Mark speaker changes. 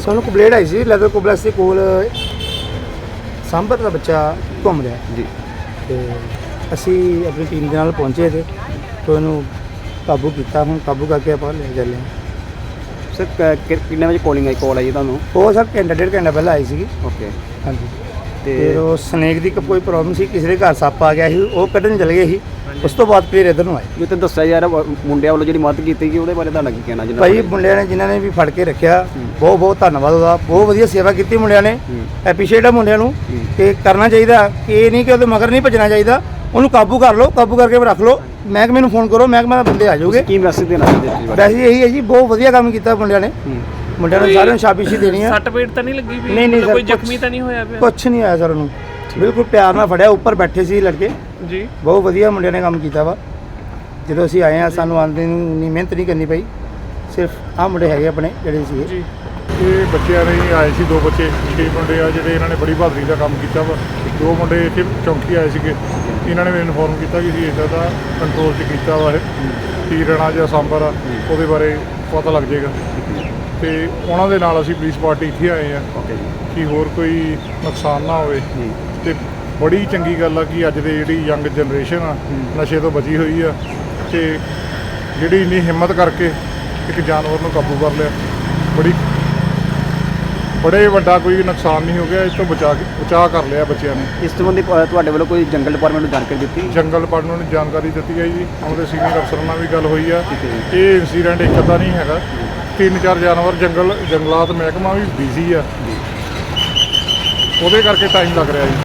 Speaker 1: ਸਾਨੂੰ ਕੰਪਲੇਂਟ ਆਈ ਸੀ ਲੈਦਰ ਕੋਬਲੈਕਸ ਦੇ ਕੋਲ ਸਾਂਭਰ ਦਾ ਬੱਚਾ ਘੁੰਮ ਰਿਹਾ
Speaker 2: ਜੀ।
Speaker 1: ਤੇ ਅਸੀਂ ਆਪਣੀ ਟੀਮ ਦੇ ਨਾਲ ਪਹੁੰਚੇ ਤੇ ਉਹਨੂੰ ਕਾਬੂ ਕੀਤਾ। ਹੁਣ ਕਾਬੂ ਕਰਕੇ ਆਪਾਂ ਲੈ ਚੱਲੇ ਹਾਂ।
Speaker 2: ਸਰ ਕਿੰਨੇ ਵਜੇ ਕਾਲ ਆਈ ਤੁਹਾਨੂੰ?
Speaker 1: ਉਹ ਸਰ ਘੰਟਾ ਡੇਢ ਘੰਟਾ ਪਹਿਲਾਂ ਆਈ ਸੀਗੀ।
Speaker 2: ਓਕੇ।
Speaker 1: ਹਾਂਜੀ।
Speaker 2: ਤੇ
Speaker 1: ਫਿਰ ਉਹ ਸਨੇਕ ਦੀ ਕੋਈ ਪ੍ਰੋਬਲਮ ਸੀ, ਕਿਸੇ ਦੇ ਘਰ ਸੱਪ ਆ ਗਿਆ ਸੀ, ਉਹ ਕੱਢਣ ਚਲੇ ਗਏ ਸੀ। ਉਸ ਤੋਂ ਬਾਅਦ ਫਿਰ ਇੱਧਰ ਨੂੰ ਆਏ।
Speaker 2: ਜੋ ਤੇ ਦੱਸਿਆ ਯਾਰ ਮੁੰਡਿਆਂ ਵੱਲੋਂ ਜਿਹੜੀ ਮਦਦ ਕੀਤੀ ਗਈ ਉਹਦੇ ਬਾਰੇ ਤੁਹਾਡਾ ਕੀ ਕਹਿਣਾ?
Speaker 1: ਭਾਈ ਮੁੰਡਿਆਂ ਨੇ ਜਿਨ੍ਹਾਂ ਨੇ ਵੀ ਫੜ ਕੇ ਰੱਖਿਆ ਬਹੁਤ ਬਹੁਤ ਧੰਨਵਾਦ ਉਹਦਾ। ਬਹੁਤ ਵਧੀਆ ਸੇਵਾ ਕੀਤੀ ਮੁੰਡਿਆਂ ਨੇ। ਐਪਰੀਸ਼ੀਏਟ ਆ ਮੁੰਡਿਆਂ ਨੂੰ ਕਿ ਕਰਨਾ ਚਾਹੀਦਾ, ਕਿ ਇਹ ਨਹੀਂ ਕਿ ਉਹਦੇ ਮਗਰ ਨਹੀਂ ਭੱਜਣਾ ਚਾਹੀਦਾ। ਉਹਨੂੰ ਕਾਬੂ ਕਰ ਲਓ, ਕਾਬੂ ਕਰਕੇ ਰੱਖ ਲਓ। ਮਹਿਕਮੇ ਨੂੰ ਫੋਨ ਕਰੋ, ਮਹਿਕਮੇ ਦੇ ਬੰਦੇ ਆ ਜਾਓਗੇ।
Speaker 2: ਕੀ ਮੈਸੇਜ ਦੇਣਾ ਚਾਹੁੰਦੇ?
Speaker 1: ਵੈਸੇ ਇਹੀ ਹੈ ਜੀ, ਬਹੁਤ ਵਧੀਆ ਕੰਮ ਕੀਤਾ ਮੁੰਡਿਆਂ ਨੇ। ਮੁੰਡਿਆਂ ਨੂੰ ਸਾਰਿਆਂ ਨੂੰ ਸ਼ਾਬਾਸ਼ੀ ਦੇਣੀ ਹੈ।
Speaker 3: ਸੱਟ ਪੇਟ ਤਾਂ ਨਹੀਂ ਲੱਗੀ ਵੀ?
Speaker 1: ਨਹੀਂ
Speaker 3: ਕੋਈ ਜ਼ਖਮੀ ਤਾਂ ਨਹੀਂ ਹੋਇਆ ਪਿਆ?
Speaker 1: ਕੁਛ ਨਹੀਂ ਆਇਆ ਸਰ ਉਹਨੂੰ, ਬਿਲਕੁਲ ਪਿਆਰ ਨਾਲ ਫੜਿਆ। ਉੱਪਰ ਬੈਠੇ ਸੀ ਲੜਕੇ
Speaker 3: ਜੀ।
Speaker 1: ਬਹੁਤ ਵਧੀਆ ਮੁੰਡਿਆਂ ਨੇ ਕੰਮ ਕੀਤਾ ਵਾ। ਜਦੋਂ ਅਸੀਂ ਆਏ ਹਾਂ ਸਾਨੂੰ ਆਉਂਦੇ ਨੂੰ ਇੰਨੀ ਮਿਹਨਤ ਨਹੀਂ ਕਰਨੀ ਪਈ। ਸਿਰਫ ਆਹ ਮੁੰਡੇ ਹੈਗੇ ਆਪਣੇ ਜਿਹੜੇ ਸੀ
Speaker 3: ਜੀ।
Speaker 4: ਇਹ ਬੱਚਿਆਂ ਨੇ ਆਏ ਸੀ, 2 ਬੱਚੇ 6 ਮੁੰਡੇ ਆ ਜਿਹੜੇ ਇਹਨਾਂ ਨੇ ਬੜੀ ਬਹਾਦਰੀ ਦਾ ਕੰਮ ਕੀਤਾ ਵਾ। 2 ਮੁੰਡੇ ਇੱਥੇ ਚੌਂਕੀ ਆਏ ਸੀਗੇ। ਇਹਨਾਂ ਨੇ ਮੈਨੂੰ ਇਨਫੋਰਮ ਕੀਤਾ ਕਿ ਅਸੀਂ ਇੱਦਾਂ ਦਾ ਕੰਟਰੋਲ 'ਚ ਕੀਤਾ ਵਾ ਕੀ ਰਣਾ ਜਾਂ ਸਾਂਬਰ ਆ, ਉਹਦੇ ਬਾਰੇ ਪਤਾ ਲੱਗ ਜਾਏਗਾ। ਤੇ ਉਹਨਾਂ ਦੇ ਨਾਲ ਅਸੀਂ ਪੁਲਿਸ ਪਾਰਟੀ ਇੱਥੇ ਆਏ ਆ ਕਿ ਹੋਰ ਕੋਈ ਨੁਕਸਾਨ ਨਾ ਹੋਵੇ। ਤੇ ਬੜੀ ਚੰਗੀ ਗੱਲ ਆ ਕਿ ਅੱਜ ਦੇ ਜਿਹੜੀ ਯੰਗ ਜਨਰੇਸ਼ਨ ਆ ਨਸ਼ੇ ਤੋਂ ਬਚੀ ਹੋਈ ਆ ਤੇ ਜਿਹੜੀ ਇੰਨੀ ਹਿੰਮਤ ਕਰਕੇ ਇੱਕ ਜਾਨਵਰ ਨੂੰ ਕਾਬੂ ਕਰ ਲਿਆ। ਬੜੇ ਵੱਡਾ ਕੋਈ ਨੁਕਸਾਨ ਨਹੀਂ ਹੋ ਗਿਆ। ਇਸ ਤੋਂ ਬਚਾਅ ਕਰ ਲਿਆ ਬੱਚਿਆਂ ਨੇ।
Speaker 2: ਇਸ ਸੰਬੰਧੀ ਤੁਹਾਡੇ ਵੱਲੋਂ ਕੋਈ ਜੰਗਲ ਡਿਪਾਰਟਮੈਂਟ ਨੂੰ ਜਾਣਕਾਰੀ ਦਿੱਤੀ?
Speaker 4: ਜੰਗਲ ਡਿਪਾਰਟਮੈਂਟ ਨੂੰ ਜਾਣਕਾਰੀ ਦਿੱਤੀ ਹੈ ਜੀ। ਉਹਦੇ ਸੀਨੀਅਰ ਅਫਸਰਾਂ ਨਾਲ ਵੀ ਗੱਲ ਹੋਈ ਆ। ਇਹ ਇਨਸੀਡੈਂਟ ਇੱਕ ਅੱਧਾ ਨਹੀਂ ਹੈਗਾ, 3-4 ਜਾਨਵਰ ਜੰਗਲਾਤ ਮਹਿਕਮਾ ਵੀ ਬਿਜ਼ੀ ਆ, ਉਹਦੇ ਕਰਕੇ ਟਾਈਮ ਲੱਗ ਰਿਹਾ ਜੀ।